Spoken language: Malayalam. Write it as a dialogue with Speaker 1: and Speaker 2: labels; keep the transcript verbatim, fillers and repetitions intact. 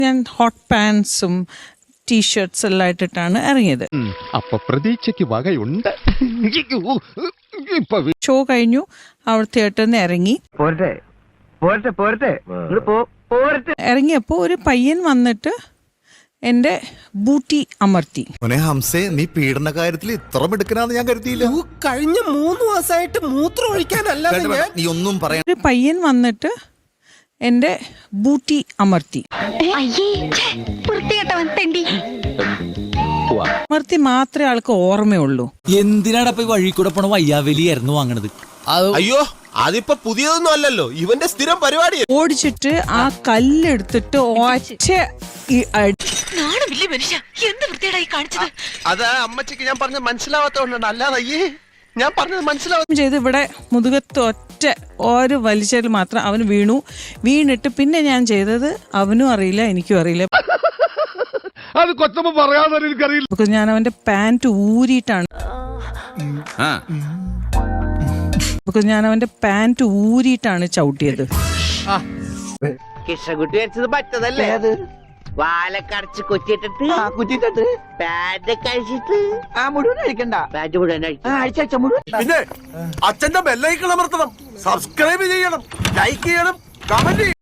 Speaker 1: ഞാൻ ഹോട്ട് പാൻസും ടീഷർട്ട്സ് എല്ലാം ഇട്ടിട്ടാണ് ഇറങ്ങിയത്.
Speaker 2: അപ്പൊ പ്രതീക്ഷയ്ക്ക് വകയുണ്ട്.
Speaker 1: ഷോ കഴിഞ്ഞു, അവർ തിയേറ്ററിൽ നിന്ന് ഇറങ്ങി. ഇറങ്ങിയപ്പോ ഒരു പയ്യൻ വന്നിട്ട് എന്റെ ബൂട്ടി അമർത്തി.
Speaker 3: ഹംസേ, നീ പീഡന കാര്യത്തിൽ ഇത്ര മിടുക്കനാന്ന് ഞാൻ കരുതിയില്ല.
Speaker 4: കഴിഞ്ഞ മൂന്ന് മാസമായിട്ട് മൂത്രം ഒഴിക്കാനല്ല
Speaker 3: നീ ഒന്നും പറയാൻ.
Speaker 1: ഒരു പയ്യൻ വന്നിട്ട് എന്റെ ബൂട്ടി അമർത്തി. അമർത്തി മാത്രമേ ആൾക്ക് ഓർമ്മയുള്ളൂ.
Speaker 5: എന്തിനാടപ്പ വഴി കൂടെ പോണ വയ്യാവലിയായിരുന്നു വാങ്ങണത്.
Speaker 4: അയ്യോ, അതിപ്പോ പുതിയതൊന്നും അല്ലല്ലോ, ഇവന്റെ സ്ഥിരം പരിപാടി.
Speaker 1: ഓടിച്ചിട്ട് ആ കല്ലെടുത്തിട്ട് ഒറ്റ
Speaker 4: അത് അമ്മച്ചിക്ക് ഞാൻ പറഞ്ഞത് മനസ്സിലാവാത്തോണ്ടാണ്, അല്ലാതെ അയ്യേ ഞാൻ പറഞ്ഞത് മനസ്സിലാവും
Speaker 1: ചെയ്ത് ഇവിടെ മുതുകത്ത് ഒറ്റ ഒരു വലിച്ചാൽ മാത്രം അവന് വീണു. വീണിട്ട് പിന്നെ ഞാൻ ചെയ്തത് അവനും അറിയില്ല, എനിക്കും അറിയില്ല.
Speaker 2: അത് കൊച്ചമ്മ പറയാതെ എനിക്കറിയില്ല.
Speaker 1: ഞാൻ അവന്റെ പാന്റ് ഊരിയിട്ടാണ് ഞാൻ അവന്റെ പാന്റ് ഊരിയിട്ടാണ് ചവിട്ടിയത്.
Speaker 6: കൃഷ്ണകുട്ടി വെച്ചത് പറ്റതല്ലേ, അത് വാലക്കടച്ച് കുറ്റിട്ടിട്ട് കുറ്റിട്ടിട്ട് പാന്റ് കഴിച്ചിട്ട് ആ മുഴുവൻ കഴിക്കണ്ട, പാന്റ് മുഴുവൻ അഴിച്ച മുഴുവൻ.
Speaker 4: പിന്നെ അച്ഛന്റെ ബെല്ലൈക്കൺ അമർത്തണം, സബ്സ്ക്രൈബ് ചെയ്യണം, ലൈക്ക് ചെയ്യണം, കമന്റ് ചെയ്യണം.